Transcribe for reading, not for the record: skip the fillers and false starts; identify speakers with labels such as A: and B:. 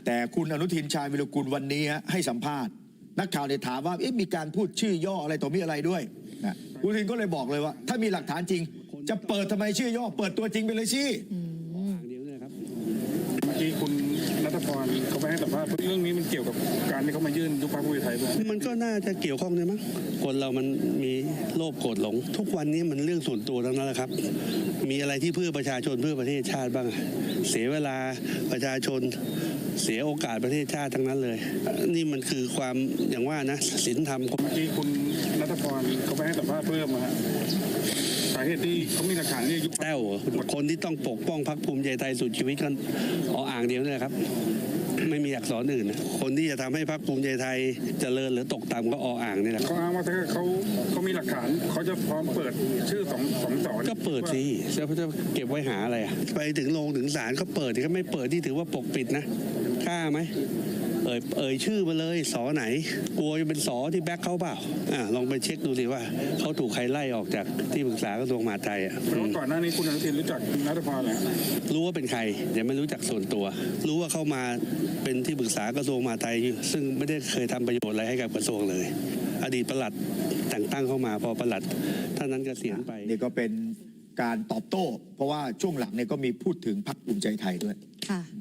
A: แต่คุณอนุทินชาญวิรุฬวันนี้ให้สัมภาษณ์นักข่าวเนี่ยถามว่ามีการพูดชื่อย่ออะไรต่อมีอะไรด้วยนะคุณอนุทินก็เลยบอกเลยว่าถ้ามีหลักฐานจริงจะเปิดทำไมชื่อย่อเปิดตัวจริงไปเลยสิ
B: เมื่อกี้คุณณัฐพรเขาไปให้สัมภาษณ์เรื่องนี้มันเกี่ยวกับการที่เขามายื่นยุบพรรคภูมิใจไทยด้วย
C: มันก็น่าจะเกี่ยวข้องด้วยมั้งคนเรามันมีโลภโกรธหลงทุกวันนี้มันเรื่องส่วนตัวทั้งนั้นแหละครับมีอะไรที่เพื่อประชาชนเพื่อประเทศชาติบ้างเสียเวลาประชาชนเสียโอกาสประเทศชาติทั้งนั้นเลยนี่มันคือความอย่างว่านะศีลธรรม
B: เมื่อกี้คุณณัฐพรเขาไปให้สัมภาษณ์เพิ่มมาสาเหตุที่เขามีหลักฐานที่ยุบ
C: แต้วคนที่ต้องปกป้องพรรคภูมิใจไทยสุดชีวิตกันอ่างเดียวนี่แหละครับไม่มีอักษรอื่นนะคนที่จะทำให้พรรคภูมิใจไทยเจริญหรือตกต่ำก็อ่างนี่แหละ
B: เขาอ้างว่าถ้าเขามีหลักฐานเขาจะพร้อมเปิดชื่อสองสอน
C: ก็เปิดสิแล้วจะเก็บไว้หาอะไรไปถึงโรงถึงศาลก็เปิดก็ไม่เปิดที่ถือว่าปกปิดนะกล้าไหมเอ่ยชื่อมาเลยสอไหนกลัวจะเป็นสอที่แบ็คเขาเปล่าลองไปเช็คดูสิว่าเขาถูกใครไล่ออกจากที่ปรึกษากระทรวงมหาดไทย
B: เพราะก่อนหน้านี้คุณอนุทินรู้จักณัฐพรแล้ว
C: รู้ว่าเป็นใครแต่ไม่รู้จักส่วนตัวรู้ว่าเข้ามาเป็นที่ปรึกษากระทรวงมหาดไทยซึ่งไม่ได้เคยทำประโยชน์อะไรให้กับกระทรวงเลยอดีตปลัดแต่งตั้งเข้ามาพอปลัดท่านนั้นเกษียณไป
A: นี่ก็เป็นการตอบโต้เพราะว่าช่วงหลังเนี่ยก็มีพูดถึงพรรคภูมิใจไทยด้วย
D: ค่ะ